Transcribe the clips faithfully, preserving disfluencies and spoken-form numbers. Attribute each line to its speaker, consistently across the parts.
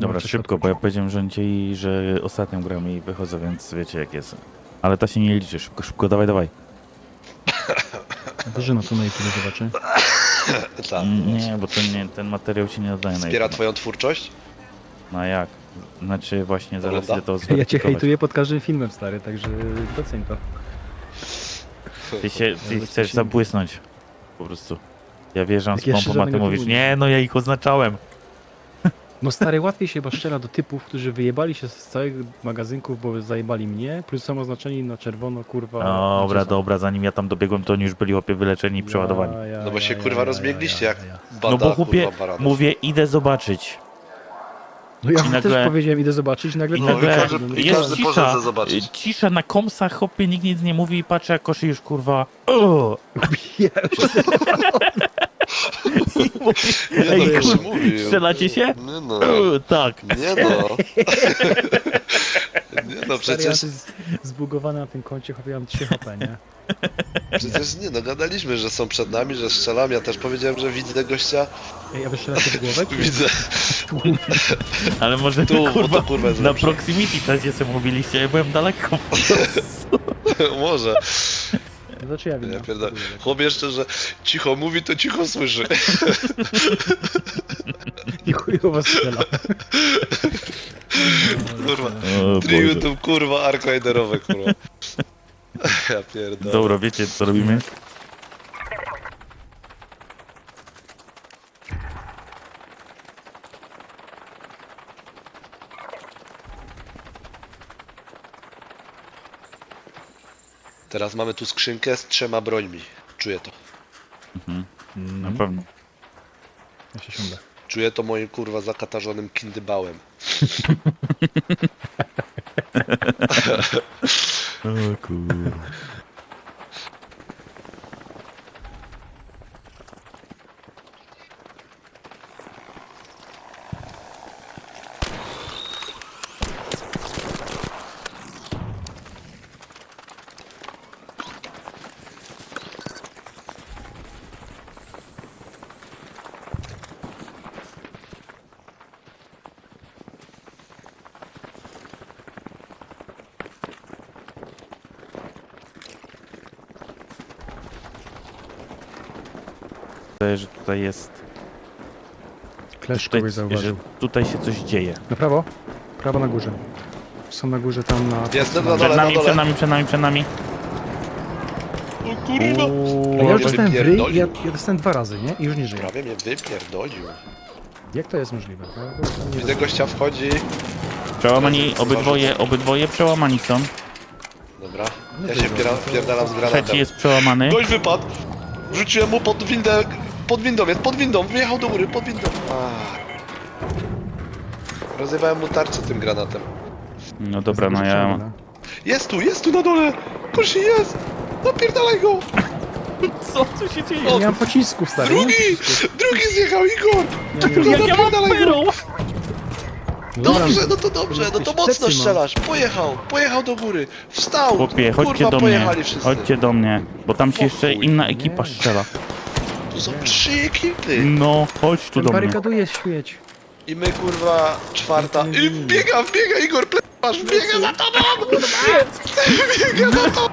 Speaker 1: Dobra,
Speaker 2: coś
Speaker 1: szybko,
Speaker 2: odpuść.
Speaker 1: bo ja powiedziałem rządzi, że ostatnią gram i wychodzę, więc wiecie jak jest. Ale ta się nie liczy, szybko, szybko, dawaj, dawaj.
Speaker 2: Wyżyna to na YouTube zobaczy.
Speaker 3: Tak,
Speaker 1: Mm, Nie, bo ten, nie, ten materiał się nie nadaje na
Speaker 3: Wspiera
Speaker 1: YouTube.
Speaker 3: twoją twórczość?
Speaker 1: No a jak? Znaczy właśnie zaraz
Speaker 3: Ogląda?
Speaker 1: idę to
Speaker 2: Ja cię
Speaker 1: zweryfikować.
Speaker 2: hejtuję pod każdym filmem, stary, także doceń to.
Speaker 1: Ty się, ty
Speaker 2: Ale
Speaker 1: chcesz
Speaker 2: się-
Speaker 1: zabłysnąć. Po prostu. Ja wjeżdżam
Speaker 2: Jak
Speaker 1: z
Speaker 2: jeszcze
Speaker 1: pompą, a ty
Speaker 2: żadnego
Speaker 1: mówisz,
Speaker 2: filmu nie
Speaker 1: nie no ja ich oznaczałem.
Speaker 2: No stary, łatwiej się chyba strzela do typów, którzy wyjebali się z całych magazynków, bo zajebali mnie, plus są oznaczeni na czerwono, kurwa.
Speaker 1: Dobra,
Speaker 2: gdzie są?
Speaker 1: dobra, zanim ja tam dobiegłem, to oni już byli chłopie wyleczeni i przeładowani.
Speaker 2: Ja, ja,
Speaker 3: No bo się
Speaker 2: ja,
Speaker 3: kurwa
Speaker 2: ja,
Speaker 3: rozbiegliście
Speaker 2: ja,
Speaker 3: jak
Speaker 2: ja, ja.
Speaker 3: banda,
Speaker 1: No bo chłopie,
Speaker 3: kurwa, baranów.
Speaker 1: mówię, idę zobaczyć.
Speaker 2: No ja
Speaker 1: I nagle-
Speaker 2: też powiedziałem, idę zobaczyć, nagle...
Speaker 1: I
Speaker 3: No,
Speaker 1: nagle
Speaker 3: i każdy-
Speaker 2: no,
Speaker 3: i
Speaker 1: jest
Speaker 3: każdy poszedł
Speaker 1: cisza,
Speaker 3: to zobaczyć.
Speaker 1: cisza na komsach, hopie, nikt nic nie mówi i patrzę jak koszy już kurwa. O!
Speaker 2: Ja już
Speaker 3: Nie
Speaker 1: Ej,
Speaker 3: no, już
Speaker 1: kurwa,
Speaker 3: mówił.
Speaker 1: strzelacie się?
Speaker 3: Nie no,
Speaker 1: O, tak.
Speaker 3: nie no. Nie no,
Speaker 2: Stary, ja
Speaker 3: przecież,
Speaker 2: to jest zbugowany na tym koncie, chłopie, mam trzy H P, nie?
Speaker 3: przecież nie no, gadaliśmy, że są przed nami, że strzelam, ja też powiedziałem, że widzę gościa,
Speaker 2: Ej, a wystrzelacie w głowę? czy-
Speaker 3: widzę,
Speaker 1: Ale może
Speaker 3: tu, bo
Speaker 1: kurwa
Speaker 3: to kurwa jest
Speaker 1: na
Speaker 3: lepsze.
Speaker 1: proximity czasie sobie mówiliście, ja byłem daleko.
Speaker 3: Może.
Speaker 2: No to czy ja wiem?
Speaker 3: Ja pierdolę. Chłop jeszcze, że cicho mówi, to cicho słyszy.
Speaker 2: I chujowo strzela.
Speaker 3: Kurwa.
Speaker 1: O,
Speaker 3: Tri
Speaker 1: Boże.
Speaker 3: YouTube, kurwa, arcade-erowe, kurwa. Ja pierdolę.
Speaker 1: Dobra, wiecie co robimy?
Speaker 3: Teraz mamy tu skrzynkę z trzema brońmi. Czuję to.
Speaker 1: Na pewno.
Speaker 2: Ja się siądę.
Speaker 3: Czuję to moim kurwa zakatarzonym kindybałem.
Speaker 1: O kurwa. Wydaje, że tutaj jest.
Speaker 2: Clash
Speaker 1: Tutaj,
Speaker 2: kogoś
Speaker 1: że
Speaker 2: zauważył.
Speaker 1: tutaj się coś dzieje.
Speaker 2: Na prawo? Prawo na górze. Są na górze tam na...
Speaker 3: Jestem na
Speaker 1: Przed
Speaker 3: dole, na
Speaker 1: nami, przed
Speaker 3: dole.
Speaker 1: nami, przed nami, przed nami.
Speaker 3: O kurwa.
Speaker 2: A ja już
Speaker 3: Prawie
Speaker 2: dostałem w ryj,
Speaker 3: wypierdolił.
Speaker 2: ja, ja dostałem dwa razy, nie? I już nie żyję.
Speaker 3: Prawie mnie wypierdolił.
Speaker 2: Jak to jest możliwe? No, to jest- nie
Speaker 3: Widzę
Speaker 2: wiem.
Speaker 3: gościa wchodzi.
Speaker 1: Przełamani, obydwoje, obydwoje przełamani są.
Speaker 3: Dobra. Ja się wpiera- wpierdalam z
Speaker 1: Trzeci
Speaker 3: granatem.
Speaker 1: jest przełamany.
Speaker 3: Gość wypadł. Wrzuciłem mu pod windę. Pod windą jest, pod windą. Wyjechał do góry, pod windą. Ah. Rozjebałem mu tarczę tym granatem.
Speaker 1: No dobra, no
Speaker 2: Jest
Speaker 1: ja...
Speaker 2: na
Speaker 3: Jest tu, jest tu na dole! Kursi jest! Napierdalaj go!
Speaker 1: Co tu się dzieje?
Speaker 2: Ja nie mam pocisków, stary. nie mam
Speaker 3: Drugi!
Speaker 2: pocisków.
Speaker 3: Drugi zjechał, Igor!
Speaker 2: Nie, nie, nie.
Speaker 1: Jak ja mam
Speaker 3: Napierdalaj go!
Speaker 1: perą?
Speaker 2: No dobra,
Speaker 3: Dobrze, no to dobrze, no to
Speaker 2: Jakieś
Speaker 3: mocno
Speaker 2: plecy mam.
Speaker 3: strzelasz. Pojechał, pojechał do góry. Wstał!
Speaker 1: Chłopie, chodźcie
Speaker 3: Kurwa,
Speaker 1: do mnie,
Speaker 3: pojechali wszyscy.
Speaker 1: chodźcie do mnie, bo tam się
Speaker 3: O
Speaker 1: jeszcze
Speaker 3: chuj,
Speaker 1: inna ekipa
Speaker 2: nie.
Speaker 1: strzela.
Speaker 3: Tu są trzy ekipy.
Speaker 1: No, chodź tu
Speaker 2: Ten
Speaker 1: do mnie.
Speaker 2: barykaduje śmieć.
Speaker 3: I my kurwa czwarta.
Speaker 2: No to
Speaker 3: I
Speaker 2: nie
Speaker 3: wbiega, wbiega Igor, plepasz, wbiega za tobą! Wbiega za tobą!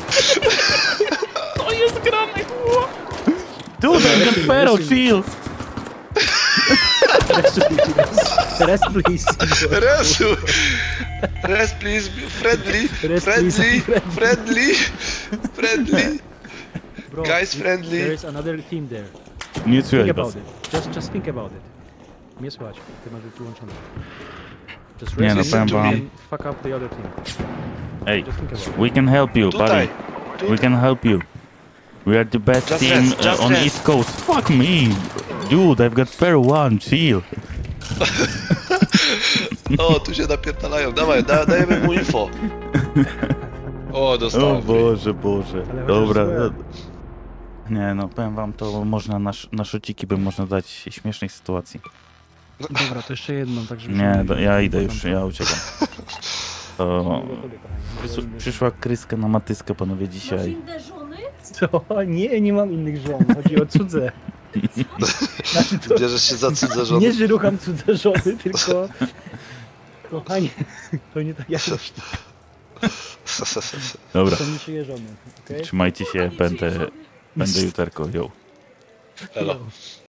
Speaker 1: To jest grane, chłop! Dude, I got Fero, chill!
Speaker 2: Rest please.
Speaker 3: Resu! Res please, friendly,
Speaker 2: Rest,
Speaker 3: friendly,
Speaker 2: please.
Speaker 3: friendly, friendly.
Speaker 2: Bro,
Speaker 3: Guys friendly.
Speaker 2: There is another team there.
Speaker 1: Nie
Speaker 2: Think
Speaker 1: słychać
Speaker 2: about
Speaker 1: was.
Speaker 2: it. Just, just think about it. Nie słychać. Ty masz być wyłączony. Just
Speaker 1: Nie,
Speaker 2: rest
Speaker 1: no,
Speaker 2: listen
Speaker 1: powiem
Speaker 2: to
Speaker 1: wam.
Speaker 2: me and fuck up the other team.
Speaker 1: Ej,
Speaker 2: Just think about it.
Speaker 1: we can help you, buddy.
Speaker 3: Tutaj.
Speaker 1: We can help you. We are the best
Speaker 3: Just
Speaker 1: team
Speaker 3: rest, just
Speaker 1: uh, on
Speaker 3: rest.
Speaker 1: East Coast. Fuck me! Dude, I've got Fero one, chill.
Speaker 3: O, tu się napierdalają. Dawaj, da, dajemy mu info. O,
Speaker 1: O
Speaker 3: dostałem.
Speaker 1: Boże, Boże.
Speaker 2: Ale
Speaker 1: Dobra.
Speaker 2: chociaż złe.
Speaker 1: no- Nie no, powiem wam, to można na, sz- na szociki by można dać śmiesznej sytuacji.
Speaker 2: Dobra, to jeszcze jedną, tak żeby...
Speaker 1: Nie,
Speaker 2: się-
Speaker 1: do, ja idę już, ja uciekam. To przys- przyszła kryska na matyskę, panowie,
Speaker 4: Masz
Speaker 1: dzisiaj.
Speaker 4: inne żony?
Speaker 2: Co? Nie, nie mam innych żon. Chodzi o cudze. Znaczy to,
Speaker 3: Bierzesz się za cudze żony.
Speaker 2: nie, że rucham cudze żony, tylko... Kochanie, to nie tak jak myślisz.
Speaker 1: Dobra,
Speaker 2: To niczyje żony, okej?
Speaker 1: trzymajcie się, będę, będę juterko, jo.
Speaker 3: Elo.